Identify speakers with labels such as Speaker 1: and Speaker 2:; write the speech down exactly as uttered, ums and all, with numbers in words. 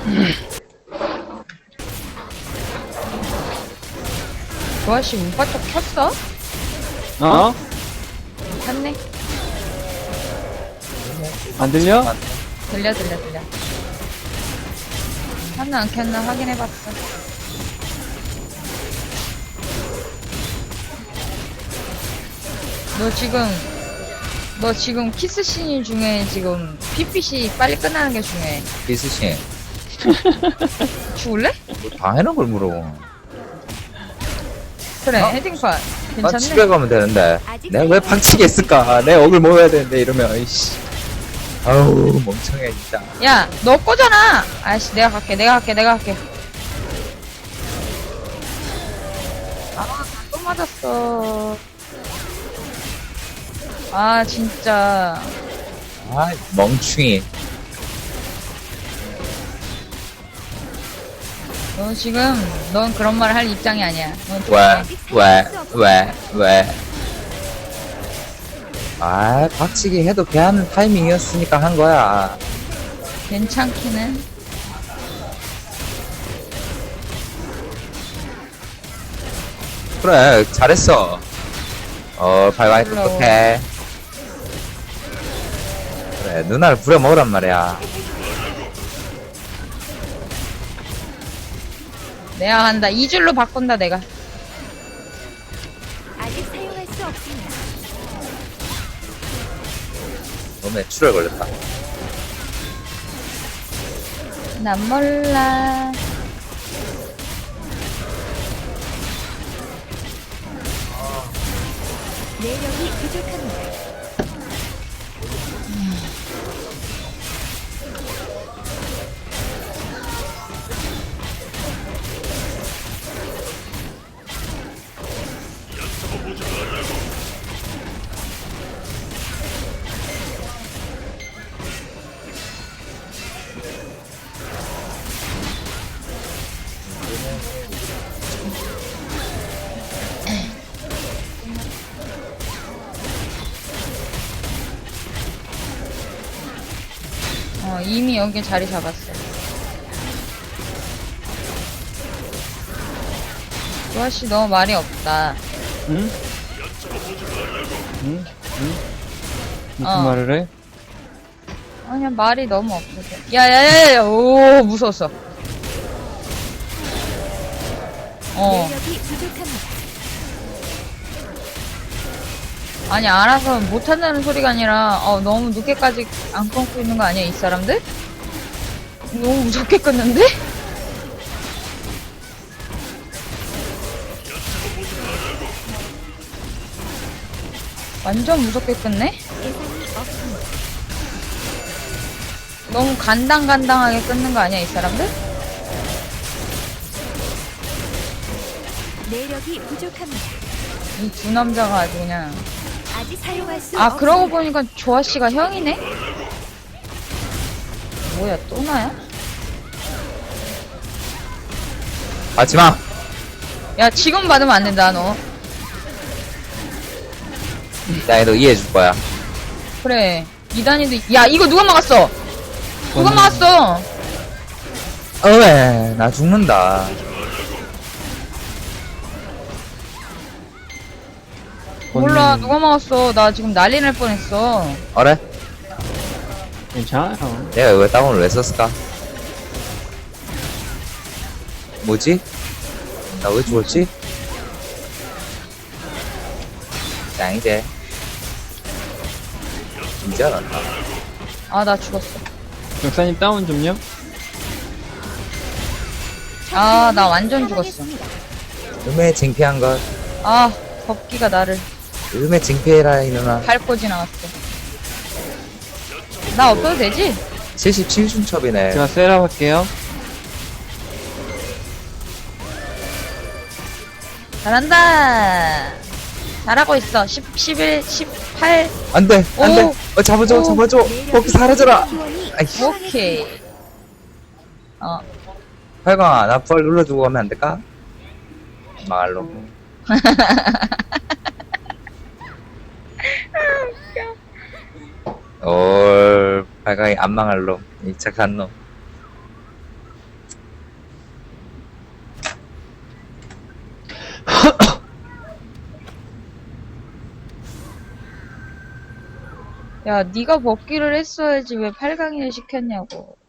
Speaker 1: 조아씨 문바 쪽 켰어?
Speaker 2: 어?
Speaker 1: 켰네.
Speaker 2: 안 들려?
Speaker 1: 들려 들려 들려. 켰나 안 켰나 확인해봤어. 너 지금 너 지금 키스씬 중에 지금 피피씨 빨리 끝나는 게 중요해.
Speaker 3: 비스신
Speaker 1: 죽을래?
Speaker 3: 뭐 당연한 걸 물어.
Speaker 1: 그래
Speaker 3: 어?
Speaker 1: 헤딩판
Speaker 3: 나
Speaker 1: 괜찮네.
Speaker 3: 집에 가면 되는데 내가 왜 박치기 했을까? 내 억을 모아야 되는데 이러면 아이씨 아우 멍청해 진짜.
Speaker 1: 야 너 거잖아. 아이씨 내가 갈게 내가 갈게 내가 갈게. 아또 맞았어. 아 진짜
Speaker 3: 아 멍충이.
Speaker 1: 너 지금 넌 그런 말 할 입장이 아니야. 넌
Speaker 3: 왜 왜 왜 왜? 아 박치기 해도 개 하는 타이밍이었으니까 한 거야.
Speaker 1: 괜찮기는.
Speaker 3: 그래 잘했어. 어 발광이
Speaker 1: 부러워.
Speaker 3: 똑똑해. 그래 누나를 부려먹으란 말이야.
Speaker 1: 내가 간다. 이 줄로 바꾼다 내가.
Speaker 4: 아직 사용할 수 없습니다.
Speaker 3: 몸에 출혈 걸렸다.
Speaker 1: 난 몰라.
Speaker 4: 내력이 부족합니다.
Speaker 1: 어 이미 여기 자리 잡았어. 조아씨 너무 말이 없다.
Speaker 2: 응? 응? 응? 무슨
Speaker 1: 어.
Speaker 2: 말을 해?
Speaker 1: 아니야 말이 너무 없어서. 야야야야. 오 무서웠어. 어
Speaker 4: 내력이 부족합니다.
Speaker 1: 아니 알아서 못한다는 소리가 아니라 어 너무 늦게까지 안 끊고 있는 거 아니야 이 사람들? 너무 무섭게 끊는데? 완전 무섭게 끊네?
Speaker 4: 예상이 없습니다.
Speaker 1: 너무 간당간당하게 끊는 거 아니야 이 사람들?
Speaker 4: 내력이 부족합니다.
Speaker 1: 이 두 남자가 아주 그냥.
Speaker 4: 아직 사용할 수
Speaker 1: 아
Speaker 4: 없습니다.
Speaker 1: 그러고 보니까 조아씨가 형이네? 뭐야 또 나야?
Speaker 3: 하지마.
Speaker 1: 야 지금 받으면 안 된다 너.
Speaker 3: 나 너 이해해 줄 거야.
Speaker 1: 그래 이단이도. 야 이거 누가 막았어? 누가
Speaker 2: 저는-
Speaker 1: 막았어?
Speaker 3: 어왜 나 죽는다.
Speaker 1: 몰라
Speaker 2: 본인은-
Speaker 1: 누가 막았어. 나 지금 난리 날 뻔했어.
Speaker 3: 어래?
Speaker 2: 괜찮아요.
Speaker 3: 내가 이거 다운을 왜 썼을까? 뭐지? 나 왜 죽었지? 짱이제. 진짜 난다.
Speaker 1: 아 나 죽었어.
Speaker 2: 역사님 다운 좀요?
Speaker 1: 아 나 완전 죽었어.
Speaker 4: 사망했습니다.
Speaker 3: 음에 쟁피한 것.
Speaker 1: 아 법기가 나를
Speaker 3: 음에 쟁피해라 이누나.
Speaker 1: 밟고 지나갔어. 나 없어도 되지?
Speaker 3: 칠십칠 중첩이네.
Speaker 2: 제가 세라 할게요.
Speaker 1: 잘한다. 잘하고 있어. 십, 십일, 십팔.
Speaker 3: 안돼 안돼.
Speaker 1: 오.
Speaker 3: 어 잡아줘
Speaker 1: 오.
Speaker 3: 잡아줘.
Speaker 4: 내력이
Speaker 3: 거기 사라져라.
Speaker 4: 지원이
Speaker 3: 아이씨.
Speaker 1: 오케이. 어.
Speaker 3: 활광아 나 부활 눌러주고 가면 안 될까? 말로. 올 발광이 안 망할 놈. 이 착한 놈.
Speaker 1: 야, 네가 벗기를 했어야지 왜 팔 강이나 시켰냐고.